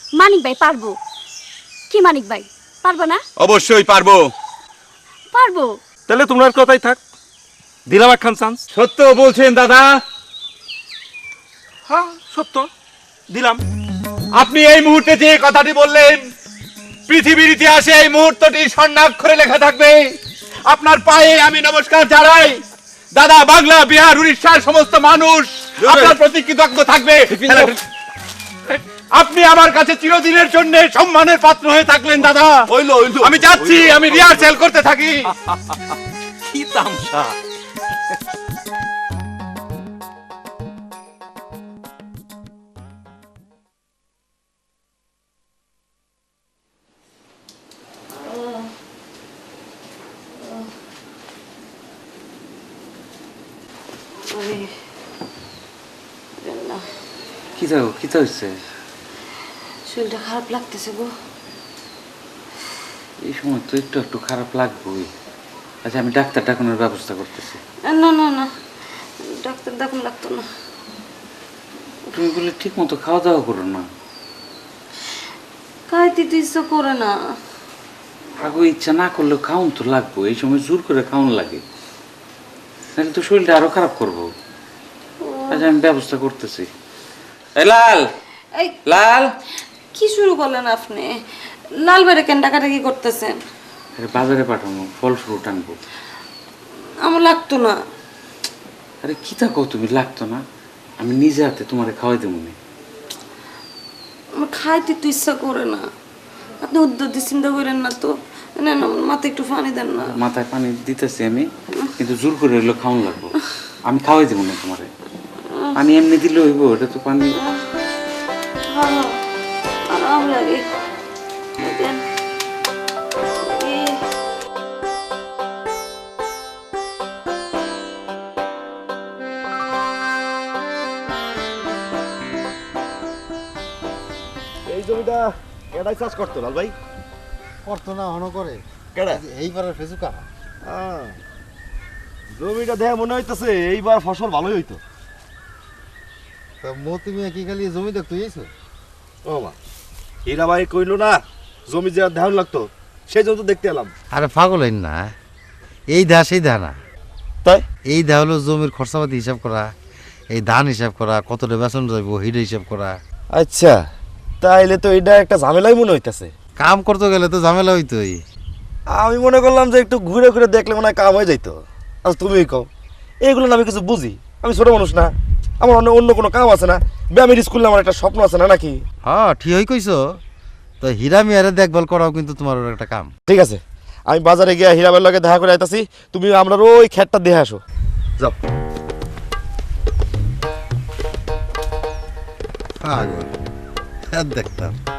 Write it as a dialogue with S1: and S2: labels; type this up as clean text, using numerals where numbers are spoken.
S1: মানিক ভাই পারবো। কি মানিক ভাই পারবো না?
S2: অবশ্যই পারবো।
S1: পারবো।
S3: তাহলে তোমার কথাই থাক, দিলাম একখান চান্স।
S2: সত্য বলছেন দাদা?
S3: হ্যাঁ সত্য, দিলাম।
S2: আপনি এই মুহূর্তে যে কথাটি বললেন, পৃথিবীর ইতিহাসে এই মুহূর্তটি স্বর্ণাক্ষরে লেখা থাকবে। আপনার পায়ে আমি নমস্কার জানাই দাদা। বাংলা, বিহার, উড়িষ্যার সমস্ত মানুষ আপনার প্রতি কৃতজ্ঞ থাকবে। আপনি আমার কাছে চিরদিনের জন্য সম্মানের পাত্র হয়ে থাকলেন দাদা। আমি যাচ্ছি, আমি রিহার্সেল করতে থাকি।
S3: কি তামসা!
S4: কি হচ্ছে?
S5: শরীরটা খারাপ লাগতেছে গো।
S4: এই সময় তো একটু একটু খারাপ লাগবেই। আচ্ছা, আমি ডাক্তার ডাকানোর ব্যবস্থা করতেছি।
S5: না না না, ডাক্তার দেখান লাগতো না।
S4: তুমি বলে ঠিক মতো খাওয়া দাওয়া করো না।
S5: খাইতে তো ইচ্ছা করে না।
S4: আগে ইচ্ছা না করলেও খাওন তো লাগবো। এই সময় জোর করে খাওয়ান লাগে, নাহলে তো শরীরটা আরো খারাপ করবো। আচ্ছা, আমি ব্যবস্থা করতেছি। এই লাল,
S5: এই
S4: লাল,
S5: কি শুরু করলেন আপনি? লাল বাইরে কেন ডাকাডাকি করতেছেন?
S4: আরে বাজারে পাঠানো ফল ফ্রুট আনবো।
S5: আমার লাগতো না।
S4: আরে কি থাকো, তুমি লাগতো না? আমি নিজে হাতে তোমারে খাওয়াই দেবো না।
S5: আমার খাইতে তো ইচ্ছা করে না। আপনি উদ্যোগ চিন্তা করেন না তো। না না, মাথায় একটু পানি দেন না।
S4: মাথায় পানি দিতেছি আমি, কিন্তু জোর করে এগুলো খাওয়ান লাগবো। আমি খাওয়াই দেবো না তোমারে। পানি এমনি দিলে হইব? এটা তো পানি।
S5: হ্যাঁ, আরাম লাগে। দেন।
S6: এই জমিটা কেডাই চাষ করতো লাল ভাই?
S7: করতো না, হন করে।
S6: কেডা?
S7: এইবারের ফেসুকা।
S6: জমিটা দেখে মনে হইতেছে এইবার ফসল ভালোই হইতো।
S7: তো মতি মিয়া কি খালি জমি দেখতে গেছো?
S6: ও মা, হীরা ভাই কইলো না জমি যে ধ্যান লাগতো, সেই জন্য তো দেখতে এলাম।
S7: আরে পাগল হইন না, এই দা সেই দা না।
S6: তাই
S7: এই দা হলো জমির খরচাপাতি হিসাব করা, এই ধান হিসাব করা, কতটা বেতন যাইব হিটা হিসাব করা।
S6: আচ্ছা, তাইলে তো এটা একটা ঝামেলাই মনে হইতাছে।
S7: কাম করতে গেলে তো ঝামেলা হইতোই।
S6: আমি মনে করলাম যে একটু ঘুরে ঘুরে দেখলে মনে হয় কাম হয়ে যাইতো। আচ্ছা তুমিই কও, এইগুলো না আমি কিছু বুঝি? আমি ছোট মানুষ না, আমার অন্য কোনো কাম আছে না? ব্যায়ামের স্কুলে আমার একটা স্বপ্ন আছে না নাকি?
S7: হ্যাঁ ঠিকই কইছো। তো হীরা মিয়ারে দেখভাল করাও কিন্তু তোমার একটা কাম।
S6: ঠিক আছে, আমি বাজারে গিয়ে হীরা ভাইয়ের লগে দেখা করে আইতাছি, তুমি আমরা ওই খেতটা দেখে আসো। যাও।
S7: পাগল দেখতাম।